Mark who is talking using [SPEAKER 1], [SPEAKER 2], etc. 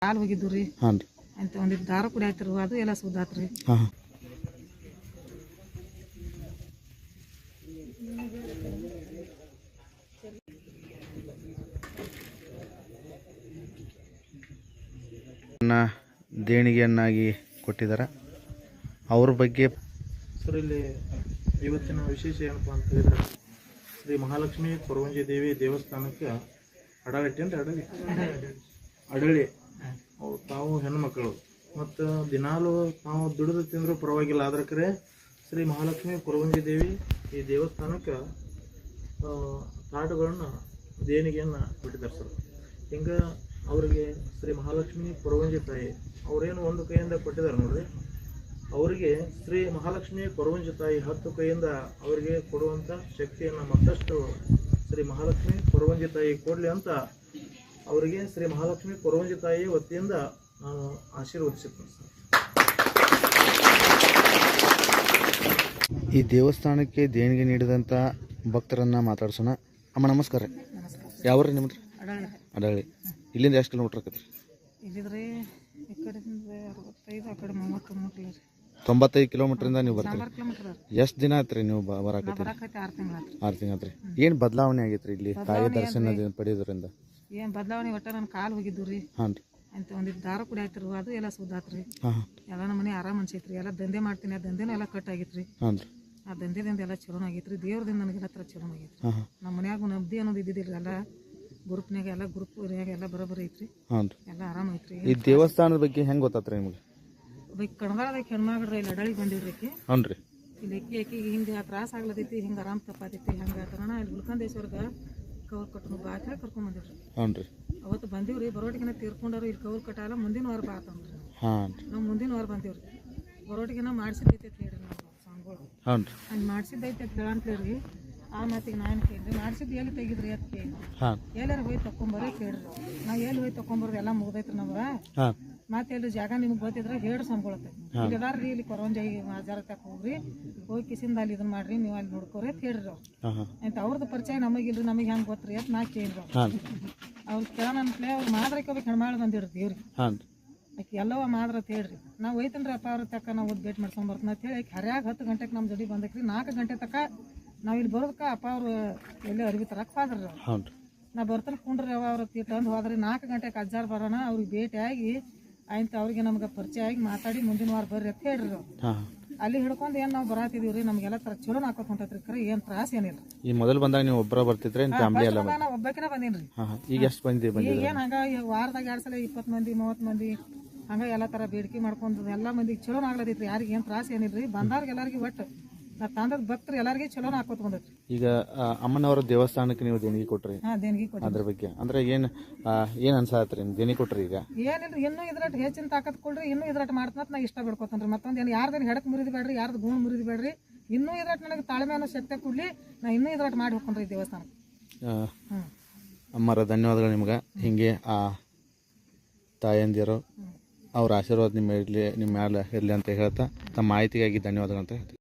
[SPEAKER 1] ಹಾಲು ಹೋಗಿದ್ದು ರೀ
[SPEAKER 2] ಹಾಂ ರೀ
[SPEAKER 1] ಅಂತ ಒಂದಿಟ್ಟು ದಾರ ಕುಡಿ ಆಯ್ತಿರು ಅದು ಎಲ್ಲ ಸುದ್ದಾತ್ರಿ.
[SPEAKER 2] ಹಾಂ ದೇಣಿಗೆಯನ್ನಾಗಿ ಕೊಟ್ಟಿದ್ದಾರೆ. ಅವ್ರ ಬಗ್ಗೆ
[SPEAKER 3] ಸರ್ ಇಲ್ಲಿ ಇವತ್ತಿನ ವಿಶೇಷ ಏನಪ್ಪ ಅಂತ ಹೇಳಿದ್ರೆ ಶ್ರೀ ಮಹಾಲಕ್ಷ್ಮಿ ಕೊರವಂಜಿ ದೇವಿ ದೇವಸ್ಥಾನಕ್ಕೆ ಅಡಳಿ ಅವ್ರು ತಾವು ಹೆಣ್ಮಕ್ಳು ಮತ್ತು ದಿನಾಲು ತಾವು ದುಡಿದು ತಿಂದರೂ ಪರವಾಗಿಲ್ಲ. ಆದ್ರೆ ಕರೆ ಶ್ರೀ ಮಹಾಲಕ್ಷ್ಮಿ ಕೊರವಂಜಿ ದೇವಿ ಈ ದೇವಸ್ಥಾನಕ್ಕೆ ತಾಟುಗಳನ್ನ ದೇಣಿಗೆಯನ್ನು ಕೊಟ್ಟಿದ್ದಾರೆ ಸರ್. ಹಿಂಗೆ ಅವರಿಗೆ ಶ್ರೀ ಮಹಾಲಕ್ಷ್ಮಿ ಕೊರವಂಜಿ ತಾಯಿ ಅವರೇನು ಒಂದು ಕೈಯಿಂದ ಕೊಟ್ಟಿದ್ದಾರೆ ನೋಡ್ರಿ, ಅವರಿಗೆ ಶ್ರೀ ಮಹಾಲಕ್ಷ್ಮಿ ಕೊರವಂಜಿ ತಾಯಿ 10 ಕೈಯಿಂದ ಅವರಿಗೆ ಕೊಡುವಂಥ ಶಕ್ತಿಯನ್ನು ಮತ್ತಷ್ಟು ಶ್ರೀ ಮಹಾಲಕ್ಷ್ಮಿ ಕೊರವಂಜಿ ತಾಯಿ ಕೊಡಲಿ ಅಂತ ಅವರಿಗೆ ಶ್ರೀ ಮಹಾಲಕ್ಷ್ಮಿ ಕೊರವಂಜಿ ತಾಯಿ ವತಿಯಿಂದ ನಾನು ಆಶೀರ್ವದಿಸುತ್ತೇನೆ ಸರ್.
[SPEAKER 2] ಈ ದೇವಸ್ಥಾನಕ್ಕೆ ದೇಣಿಗೆ ನೀಡಿದಂಥ ಭಕ್ತರನ್ನು ಮಾತಾಡ್ಸೋಣ. ಅಮ್ಮ ನಮಸ್ಕಾರ. ಯಾವ್ರಿ ನಿಮ್ದು? ಅಡಳಿ. ಇಲ್ಲಿಂದ ಎಷ್ಟು ಕಿಲೋಮೀಟ್ರ್ ಆಕೈತೆ ರೀ?
[SPEAKER 1] ಇಲ್ಲಿದ್ರಿ ಈ ಕಡೆಯಿಂದ 65 ಆ ಕಡೆ 33 ರೀ.
[SPEAKER 2] 95 ಕಿಲೋಮೀಟ್ರಿಂದ ನೀವು ಬರ್ತೀರಿ.
[SPEAKER 1] 4 ಕಿಲೋಮೀಟರ್
[SPEAKER 2] ಎಷ್ಟು ದಿನ ಆಯ್ತು ರೀ ನೀವು ಬರಾಕತ್ತೀರಿ?
[SPEAKER 1] 6 ತಿಂಗಳು ಆಯ್ತು.
[SPEAKER 2] 6 ತಿಂಗಳು ಆಯ್ತು ರೀ. ಏನು ಬದಲಾವಣೆ ಆಗೈತೆ ರೀ ಇಲ್ಲಿ ತಾಯಿ ದರ್ಶನ ಪಡೆಯೋದ್ರಿಂದ?
[SPEAKER 1] ಏನು ಬದಲಾವಣೆ ಒಟ್ಟ ನನ್ನ ಕಾಲು ಹೋಗಿದ್ದು ರೀ
[SPEAKER 2] ಹಾಂ ರೀ
[SPEAKER 1] ಅಂತ ಒಂದಿಟ್ಟು ದಾರ ಕುಡಿ ಆಯ್ತಿರು ಅದು ಎಲ್ಲ ಸುದ್ದಾತ್ರಿ.
[SPEAKER 2] ಹಾಂ
[SPEAKER 1] ಎಲ್ಲ ನಮ್ಮ ಮನೆ ಆರಾಮ್ ಅನ್ಸೈತ್ರಿ. ಎಲ್ಲ ದಂಧೆ ಮಾಡ್ತೀನಿ, ಆ ದಂಧೆನೂ ಎಲ್ಲ ಕಟ್ ಆಗಿತ್ರಿ.
[SPEAKER 2] ಹಾಂ ರೀ
[SPEAKER 1] ಆ ದಂಧೆದಿಂದ ಎಲ್ಲ ಚಲೋ ಆಗೈತ್ರಿ. ದೇವ್ರದಿಂದ ನನಗೆಲ್ಲ ಥರ ಚಲೋ ಆಗೈತ್ರಿ.
[SPEAKER 2] ಹಾಂ ಹಾಂ
[SPEAKER 1] ನಮ್ಮ ಮನ್ಯಾಗ ನಬ್ದಿ ಅನ್ನೋದು ಇದ್ದಿದ್ದಿಲ್ಲ. ಎಲ್ಲ ಗ್ರೂಪ್ನಾಗ ಎಲ್ಲ ಗ್ರೂಪ್ನಾಗ ಎಲ್ಲ ಬರೋಬ್ಬರಿ ಐತ್ರಿ.
[SPEAKER 2] ಹಾಂ ರೀ.
[SPEAKER 1] ಎಲ್ಲ ಆರಾಮ ಐತ್ರಿ.
[SPEAKER 2] ಈ ದೇವಸ್ಥಾನದ ಬಗ್ಗೆ ಹೆಂಗೆ ಗೊತ್ತಾತ್ರಿ ನಿಮಗೆ?
[SPEAKER 1] ಬೈಕ್ ಕಣದಾಳದಾಗ ಹೆಣ್ಮಗ್ರಿ ಇಲ್ಲಿ ಅಡಳಿಗೆ ಬಂದಿವ್ರಿ.
[SPEAKER 2] ಹ್ಞೂ ರೀ.
[SPEAKER 1] ಇಲ್ಲಿ ಆಕಿಗೆ ಹಿಂಗೆ ತ್ರಾಸ ಆಗ್ಲತೈತಿ, ಹಿಂಗೆ ಆರಾಮ್ ತಪ್ಪಾತೈತಿ, ಹಂಗೆ ತರೋಣ ಇಲ್ಲಿ ಗುಲ್ಕಂದೇಶ್ವರ್ಗೆ ಕವರ್ ಕಟ್ಟು ಬಾ ಅಂತ ಕರ್ಕೊಂಡ್ ಬಂದಿವ್ರಿ.
[SPEAKER 2] ಹ್ಞೂ ರೀ.
[SPEAKER 1] ಅವತ್ತು ಬಂದೀವ್ರಿ. ಬರೋಟಿಗೆನ ತೀರ್ಕೊಂಡವ್ರು ಇಲ್ಲಿ ಕವರ್ ಕಟ್ಟಲ್ಲ, ಮುಂದಿನ ವಾರ ಬಾ ಅಂತಂದ್ರಿ.
[SPEAKER 2] ಹಾಂ ರೀ.
[SPEAKER 1] ನಾವು ಮುಂದಿನ ವಾರ ಬಂದೀವ್ರಿ. ಬರೋಟಿಗೆನ ಮಾಡಿಸಿದ್ದೈತೆ ಅಂತ ಹೇಳ್ರಿ ನಾವು ಸ್ವಾಮಿಗಳು.
[SPEAKER 2] ಹ್ಞೂ ರೀ.
[SPEAKER 1] ಹಂಗೆ ಮಾಡಿಸಿದ್ದೈತೆ ಅಂತ ಹೇಳಂತೇಳ್ರಿ. ಆ ಮಾತಿಗೆ ನಾನು ಕೇಳಿದ್ರಿ, ಮಾಡಿಸಿದ್ದು ಎಲ್ಲಿ ತೆಗಿದ್ರಿ ಅಂತ ಕೇಳಿ
[SPEAKER 2] ಹಾಂ
[SPEAKER 1] ಎಲ್ಲಾರು ಹೋಗಿ ತಕೊಂಬರೋ ಕೇಳ್ರಿ. ನಾವು ಎಲ್ಲಿ ಹೋಗಿ ತಕೊಂಬರೋದು ಎಲ್ಲ ಮುಗ್ದೈತ್ರಿ ನಮ್ಗೆ.
[SPEAKER 2] ಹಾಂ
[SPEAKER 1] ಮತ್ತೆ ಎಲ್ಲಿ ಜಾಗ ನಿಮ್ಗೆ ಗೊತ್ತಿದ್ರೆ ಹೇಳ್ರಿ ಸ್ವಾಮಿಗಳತ್ತೆ. ಇಲ್ಲಿ ಅದಾರ್ರಿ ಇಲ್ಲಿ ಕೊರವಂಜಾಯಿ ಆಜಾರ ತಕ ಹೋಗ್ರಿ, ಹೋಗಿ ಕಿಸಿಂದ ಅಲ್ಲಿ ಇದನ್ನ ಮಾಡ್ರಿ, ನೀವು ಅಲ್ಲಿ ನೋಡ್ಕೋರಿ ಅಂತ ಹೇಳ್ರಿ ಅವ್ರು.
[SPEAKER 2] ಹಾಂ ಹಾಂ
[SPEAKER 1] ಅಂತ ಅವ್ರದ್ದು ಪರಿಚಯ ನಮಗಿಲ್ರಿ, ನಮಗೆ ಹೆಂಗೆ ಗೊತ್ತ್ರಿ ಅಂತ ನಾ ಕೇಳಿದ್ರು.
[SPEAKER 2] ಹಾಂ
[SPEAKER 1] ಅವ್ರು ಕೇಳೋಣ ಅಂತಲೇ ಅವ್ರು ಮಾದ್ರಕ್ಕೆ ಹೋಗ್ಬೇಕು ಹೆಣ್ಮಾಳು ಬಂದಿವ್ರಿ ದೇವ್ರಿಗೆ.
[SPEAKER 2] ಹಾಂ
[SPEAKER 1] ಆಕೆ ಎಲ್ಲವ ಮಾದ್ರ ಅಂತ ಹೇಳ್ರಿ. ನಾವು ಒಯ್ತನ್ರಿ ಅಪ್ಪ ಅವ್ರ ತಕ್ಕ ನಾವು ಭೇಟಿ ಮಾಡ್ಸ್ಕೊಂಬರ್ತೀನಿ ಅಂತ ಹೇಳಿ ಆಕೆ ಹರ್ಯಾಗ 10 ಗಂಟೆಗೆ ನಮ್ಮ ಜೋಡಿ ಬಂದಕ್ರಿ. 4 ಗಂಟೆ ತಕ ನಾವು ಇಲ್ಲಿ ಬರೋದಕ್ಕೆ ಅಪ್ಪ ಅವರು ಎಲ್ಲೇ ಅರಿವಿ ತರಕ್ಕೆ ಹೋದ್ರಿ. ಅವ್ರು
[SPEAKER 2] ಹ್ಞೂ ರೀ.
[SPEAKER 1] ನಾ ಬರ್ತಾನೆ ಕುಂಡ್ರಿ ಅವ ಅವ್ರ ತಂದು ಹೋದ್ರಿ. 4 ಗಂಟೆಗೆ ಅಜ್ಜಾರು ಬರೋಣ, ಅವ್ರಿಗೆ ಭೇಟಿಯಾಗಿ ಆಯ್ತು ಅವ್ರಿಗೆ ನಮ್ಗೆ ಪರಿಚಯ ಆಗಿ ಮಾತಾಡಿ ಮುಂದಿನ ವಾರ ಬರ್ರಿ ಅಂತ ಹೇಳ್ರಿ. ಅವ್ರು
[SPEAKER 2] ಹಾಂ
[SPEAKER 1] ಅಲ್ಲಿ ಹಿಡ್ಕೊಂಡು ಏನು ನಾವು ಬರಾತಿದೀವಿ ರೀ. ನಮಗೆಲ್ಲ ಥರ ಚಲೋ ಹಾಕೋತ ಹೊಂಟೈತ್ರಿ. ಕರೆ ಏನು ತ್ರಾಸ ಏನಿಲ್ಲ.
[SPEAKER 2] ಈ ಮೊದಲು ಬಂದಾಗ ನೀವು ಒಬ್ಬರ ಬರ್ತಿದ್ರೆ ಫ್ಯಾಮಿಲಿ ಎಲ್ಲ?
[SPEAKER 1] ನಾ ಒಬ್ಬಾಕಿನ ಬಂದೀನಿ ರೀ.
[SPEAKER 2] ಹಾಂ ಹಾಂ. ಈಗ ಎಷ್ಟು ಬಂದಿದೆ?
[SPEAKER 1] ಈಗ ಏನು ಹಂಗೆ ವಾರದಾಗ 2 ಸಲ 20 ಮಂದಿ 30 ಮಂದಿ ಹಂಗೆ ಎಲ್ಲ ಥರ ಬೇಡಿಕೆ ಮಾಡ್ಕೊಂಡು ಎಲ್ಲ ಮಂದಿಗೆ ಚಲೋ ಆಗ್ಲತೈತ್ರಿ. ಯಾರಿಗೆ ಏನು ತ್ರಾಸ ಏನಿಲ್ಲ ರೀ. ಬಂದವ್ರಿಗೆ ಎಲ್ಲರಿಗೆ ಒಟ್ಟು ನಾ ತಂದದ ಭಕ್ತರು ಎಲ್ಲರಿಗೆ ಚಲೋ ಹಾಕೋತ ಬಂದೈತ್ರಿ.
[SPEAKER 2] ಈಗ ಅಮ್ಮನವರ ದೇವಸ್ಥಾನಕ್ಕೆ ನೀವು ದೇಣಿಗೆ ಕೊಟ್ರಿ,
[SPEAKER 1] ಹಾಂ ದೇಣಿಗೆ ಕೊಟ್ಟು
[SPEAKER 2] ಅದ್ರ ಬಗ್ಗೆ ಅಂದ್ರೆ ಏನು ಅನ್ಸಾತ್ರಿ ನಿಮ್ಗೆ ದೇಣಿಗೆ ಕೊಟ್ರಿ? ಈಗ
[SPEAKER 1] ಏನಿಲ್ರಿ, ಇನ್ನೂ ಇದ್ರಟ್ ಹೆಚ್ಚಿನ ತಾಕತ್ ಕೊಡ್ರಿ, ಇನ್ನೂ ಇದ್ರಟ್ ಮಾಡ್ತಂತ ನಾ ಇಷ್ಟ ಬಿಡ್ಕೊತನ್ರಿ. ಮತ್ತೊಂದು ಏನು ಯಾರ್ದೇನು ಹೆಡಕ್ ಮುರಿದು ಬೇಡ್ರಿ, ಯಾರ್ದು ಗುಣ ಮುರಿದು ಬೇಡ್ರಿ. ಇನ್ನೂ ಇದ್ರಟ್ ನನಗೆ ತಾಳ್ಮೆ ಅನ್ನೋ ಶಕ್ತಿ ಕೊಡ್ಲಿ, ನಾ ಇನ್ನೂ ಇದ್ರಟ್ ಮಾಡಿ ಹೋಗ್ಕೊಂಡ್ರಿ ದೇವಸ್ಥಾನ.
[SPEAKER 2] ಅಮ್ಮರ ಧನ್ಯವಾದಗಳು ನಿಮ್ಗೆ. ಹಿಂಗೆ ಆ ತಾಯಂದಿರು ಅವ್ರ ಆಶೀರ್ವಾದ ನಿಮ್ಮ ಮೇಲೆ ಇರಲಿ ಅಂತ ಹೇಳ್ತಾ ತಮ್ಮ ಮಾಹಿತಿಗಾಗಿ ಧನ್ಯವಾದಗಳು ಅಂತ ಹೇಳ್ತೀವಿ.